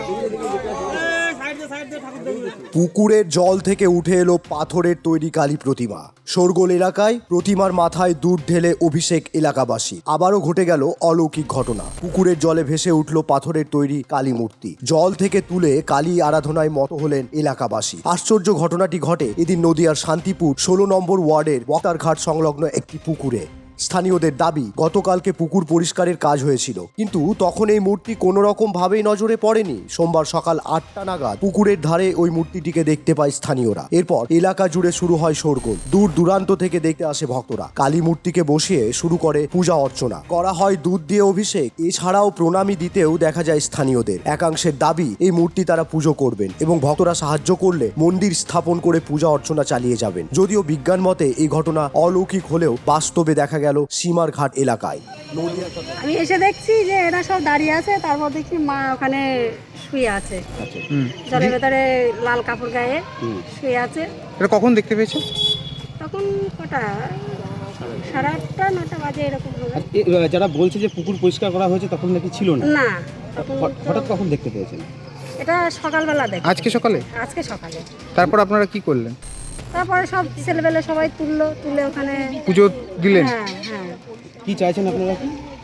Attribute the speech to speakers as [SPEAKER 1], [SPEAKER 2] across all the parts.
[SPEAKER 1] পুকুরের জল থেকে উঠে এলো পাথরের তৈরি কালী প্রতিমা। শোরগোল এলাকায় প্রতিমার মাথায় দুধ ঢেলে অভিষেক এলাকাবাসী। আবারও ঘটে গেল অলৌকিক ঘটনা। পুকুরের জলে ভেসে উঠল পাথরের তৈরি কালী মূর্তি। জল থেকে তুলে কালী আরাধনায় মত হলেন এলাকাবাসী। আশ্চর্য ঘটনাটি ঘটে এদিন নদিয়ার শান্তিপুর 16 নম্বর ওয়ার্ডের বক্তারঘাট সংলগ্ন একটি পুকুরে। স্থানীয়দের দাবি, গতকালকে পুকুর পরিষ্কারের কাজ হয়েছিল, কিন্তু তখন এই মূর্তি কোনো রকম ভাবেই নজরে পড়েনি। সোমবার সকাল 8টা নাগাদ পুকুরের ধারে ওই মূর্তিটিকে দেখতে পায় স্থানীয়রা। এরপর এলাকা জুড়ে শুরু হয় শোরগোল। দূর দূরান্ত থেকে দেখতে আসে ভক্তরা। কালী মূর্তিকে বসিয়ে শুরু করে পূজা অর্চনা করা হয়, দুধ দিয়ে অভিষেক। এছাড়াও প্রণামী দিতেও দেখা যায় স্থানীয়দের। একাংশের দাবি, এই মূর্তি তারা পুজো করবেন এবং ভক্তরা সাহায্য করলে মন্দির স্থাপন করে পূজা অর্চনা চালিয়ে যাবেন। যদিও বিজ্ঞান মতে এই ঘটনা অলৌকিক হলেও বাস্তবে দেখা গেল সীমার ঘাট এলাকায়।
[SPEAKER 2] আমি এসে দেখছি যে এরা সব দাঁড়িয়ে আছে, তারপর দেখছি মা ওখানে শুয়ে আছে, জলের ভেতরে লাল কাপড় গায়ে শুয়ে আছে।
[SPEAKER 3] এটা কখন দেখতে পেয়েছো?
[SPEAKER 2] তখন কটা, 8:30 9টা বাজে এরকম হবে।
[SPEAKER 4] যারা বলছে যে পুকুর পরিষ্কার করা হয়েছে তখন নাকি ছিল না,
[SPEAKER 2] না
[SPEAKER 4] হঠাৎ কখন দেখতে পেয়েছেন?
[SPEAKER 2] এটা সকালবেলা দেখি।
[SPEAKER 3] আজকে সকালে?
[SPEAKER 2] আজকে সকালে।
[SPEAKER 3] তারপর আপনারা কি করলেন?
[SPEAKER 2] তারপরে সব ছেলেবেলে সবাই তুলে ওখানে
[SPEAKER 3] পুজো দিলেন?
[SPEAKER 2] হ্যাঁ হ্যাঁ।
[SPEAKER 4] কি চাইছেন আপনারা?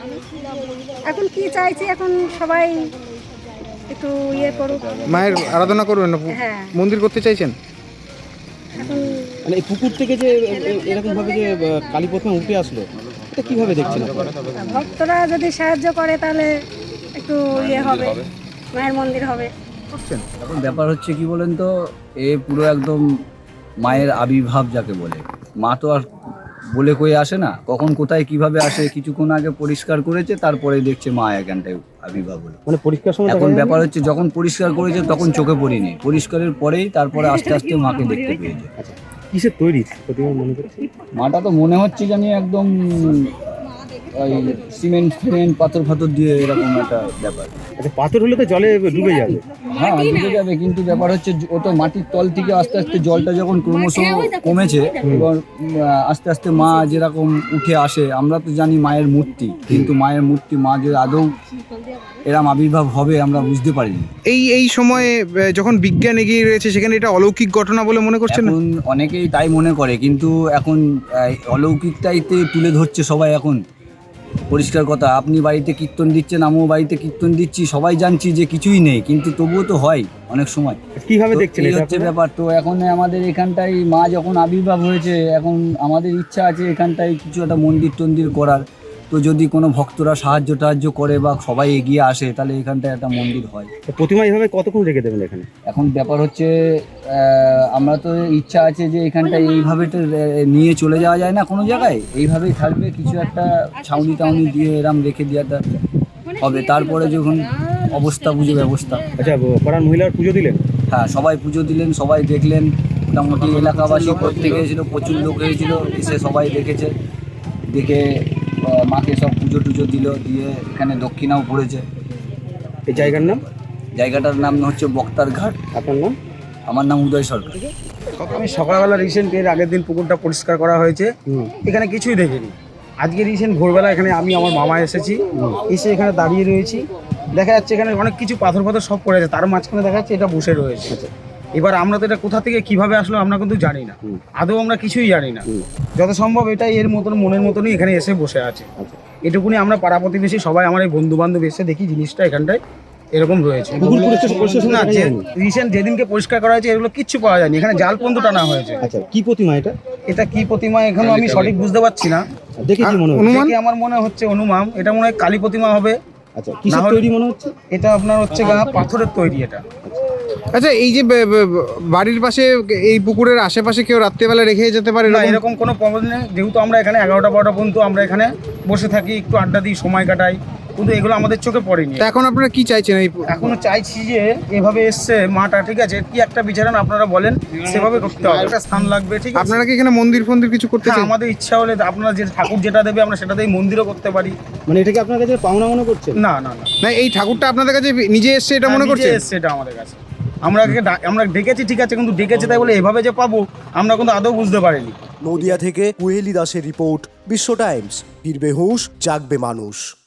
[SPEAKER 2] এখন কি চাইছি, এখন সবাই একটু করুক,
[SPEAKER 3] মায়ের আরাধনা করবেন না,
[SPEAKER 2] হ্যাঁ
[SPEAKER 3] মন্দির করতে চাইছেন?
[SPEAKER 2] এখন
[SPEAKER 4] মানে এই পুকুর থেকে যে এরকম ভাবে যে কালী প্রতিমা উঠে আসলো, এটা কিভাবে দেখছেন আপনারা?
[SPEAKER 2] ভক্তরা যদি সাহায্য করে তাহলে একটু হবে, মায়ের মন্দির হবে।
[SPEAKER 5] এখন ব্যাপার হচ্ছে কি বলেন তো, এ পুরো একদম মায়ের আবির্ভাব যাকে বলে। মা তো আর বলে কয়ে আসে না, কখন কোথায় কিভাবে আসে। কিছুক্ষণ আগে পরিষ্কার করেছে, তারপরে দেখছে মা এখানটায় আবির্ভাব হলো।
[SPEAKER 4] মানে পরিষ্কার সময়
[SPEAKER 5] এখন ব্যাপার হচ্ছে যখন পরিষ্কার করেছে তখন চোখে পড়িনি, পরিষ্কারের পরেই তারপরে আস্তে আস্তে মাকে দেখতে পেয়েছে।
[SPEAKER 4] কিসের তৈরি প্রতিমা মনে করছে?
[SPEAKER 5] মাটা তো মনে হচ্ছে জানি একদম ওই সিমেন্ট পাথর দিয়ে এরকম একটা ব্যাপার।
[SPEAKER 4] আচ্ছা, পাথর হলে তো জলে ডুবে যাবে।
[SPEAKER 5] হ্যাঁ ডুবে যাবে, কিন্তু ব্যাপার হচ্ছে ও তো মাটির তল থেকে আস্তে আস্তে জলটা যখন ক্রমশ কমেছে এবং আস্তে আস্তে মা যেরকম উঠে আসে, আমরা তো জানি মায়ের মূর্তি, কিন্তু মায়ের মূর্তি মা যে আদৌ এরম আবির্ভাব হবে আমরা বুঝতে পারিনি।
[SPEAKER 3] এই সময়ে যখন বিজ্ঞান এগিয়ে রয়েছে সেখানে এটা অলৌকিক ঘটনা বলে মনে করছেন?
[SPEAKER 5] এখন অনেকেই তাই মনে করে, কিন্তু এখন অলৌকিকটাইতে তুলে ধরছে সবাই। এখন পরিষ্কার কথা, আপনি বাড়িতে কীর্তন দিচ্ছেন, আমিও বাড়িতে কীর্তন দিচ্ছি, সবাই জানছি যে কিছুই নেই, কিন্তু তবুও তো হয় অনেক সময়।
[SPEAKER 4] কিভাবে দেখছেন
[SPEAKER 5] এই হচ্ছে ব্যাপার। তো এখন আমাদের এখানটায় মা যখন আবির্ভাব হয়েছে, এখন আমাদের ইচ্ছা আছে এখানটায় কিছু একটা মন্দির করার। তো যদি কোনো ভক্তরা সাহায্য করে বা সবাই এগিয়ে আসে, তাহলে এখানটায় একটা মন্দির হয়।
[SPEAKER 4] প্রতিমা এইভাবে কতক্ষণ রেখে দেবেন এখানে?
[SPEAKER 5] এখন ব্যাপার হচ্ছে আমরা তো ইচ্ছা আছে যে এখানটায় এইভাবে তো নিয়ে চলে যাওয়া যায় না কোনো জায়গায়, এইভাবেই থাকবে, কিছু একটা ছাউনি টাউনি দিয়ে এরম রেখে দেওয়াটা হবে। তারপরে যখন অবস্থা বুঝে ব্যবস্থা।
[SPEAKER 4] আচ্ছা, পাড়ার মহিলার পুজো দিলেন?
[SPEAKER 5] হ্যাঁ, সবাই পুজো দিলেন, সবাই দেখলেন। মোটামুটি এলাকাবাসী প্রত্যেকে এসেছিলো, প্রচুর লোক হয়েছিল, এসে সবাই দেখে মাকে সব পুজো দিল, দিয়ে এখানে দক্ষিণাও পড়েছে।
[SPEAKER 4] এই
[SPEAKER 5] জায়গাটার নাম হচ্ছে বক্তারঘাট।
[SPEAKER 4] আপনার নাম?
[SPEAKER 5] আমার নাম উদয় সরকার।
[SPEAKER 6] আমি সকালবেলা রিসেন্ট এর আগের দিন পুকুরটা পরিষ্কার করা হয়েছে, এখানে কিছুই দেখিনি। আজকে রিসেন্ট ভোরবেলা এখানে আমি আমার মামা এসেছি, এসে এখানে দাঁড়িয়ে রয়েছি, দেখা যাচ্ছে এখানে অনেক কিছু পাথর সব পড়ে আছে, তার মাঝখানে দেখা যাচ্ছে এটা বসে রয়েছে। এবার আমরা তো এটা কোথা থেকে কিভাবে আসলো আমরা কিন্তু জানি না, আদৌ আমরা কিছুই জানি না। যত সম্ভব এটাই এর মতন মনের মতনই এখানে এসে বসে আছে। এটুকুনি আমরা পাড়া প্রতিবেশী সবাই, আমার এই বন্ধু বান্ধব এসে দেখি জিনিসটা এখানটায় এরকম রয়েছে। না, রিসেন্ট যেদিনকে পরিষ্কার করা হয়েছে এগুলো কিচ্ছু পাওয়া যায়নি, এখানে জাল পর্যন্ত টানা হয়েছে।
[SPEAKER 4] আচ্ছা, কি প্রতিমা এটা?
[SPEAKER 6] এটা কি প্রতিমা এখনো আমি সঠিক বুঝতে পারছি না।
[SPEAKER 4] দেখে কি মনে হচ্ছে?
[SPEAKER 6] আমার মনে হচ্ছে অনুমান, এটা মনে হয় কালী প্রতিমা হবে।
[SPEAKER 4] আচ্ছা, কিসের তৈরি মনে হচ্ছে?
[SPEAKER 6] এটা আপনার হচ্ছে পাথরের তৈরি এটা।
[SPEAKER 3] আচ্ছা, এই যে বাড়ির পাশে এই পুকুরের আশেপাশে কেউ রাত্রেবেলা রেখে যেতে পারে
[SPEAKER 6] না, এরকম কোনো প্রবলেম নেই। যেহেতু আমরা এখানে 11টা 12টা পর্যন্ত আমরা এখানে বসে থাকি, একটু আড্ডা দিই, সময় কাটাই, কিন্তু এগুলো আমাদের চোখে পড়েনি।
[SPEAKER 3] এখন আপনারা কি চাইছেন?
[SPEAKER 6] এখনো চাইছি যে এভাবে এসছে মাটা, ঠিক আছে, কি একটা বিচারেন আপনারা বলেন, সেভাবে করতে হবে, একটা স্থান লাগবে, ঠিক আছে?
[SPEAKER 3] আপনারা কি এখানে মন্দির কিছু করতে চান?
[SPEAKER 6] আমাদের ইচ্ছা হলে আপনারা যে ঠাকুর যেটা দেবে আমরা সেটাতেই মন্দিরও করতে পারি।
[SPEAKER 4] মানে এটাকে আপনার কাছে পাওনা মনে করছেন?
[SPEAKER 6] না না না
[SPEAKER 3] না, এই ঠাকুরটা আপনাদের কাছে নিজে এসছে এটা মনে করছেন?
[SPEAKER 6] এসছে এটা আমাদের কাছে, আমরা ডেকেছি, ঠিক আছে, কিন্তু ডেকেছি তাই বলে এভাবে যে পাবো আমরা কিন্তু আদৌ বুঝতে পারিনি।
[SPEAKER 1] নদিয়া থেকে কুহেলি দাসের রিপোর্ট, বিশ্ব টাইমস। ফিরবে হুঁশ, জাগবে মানুষ।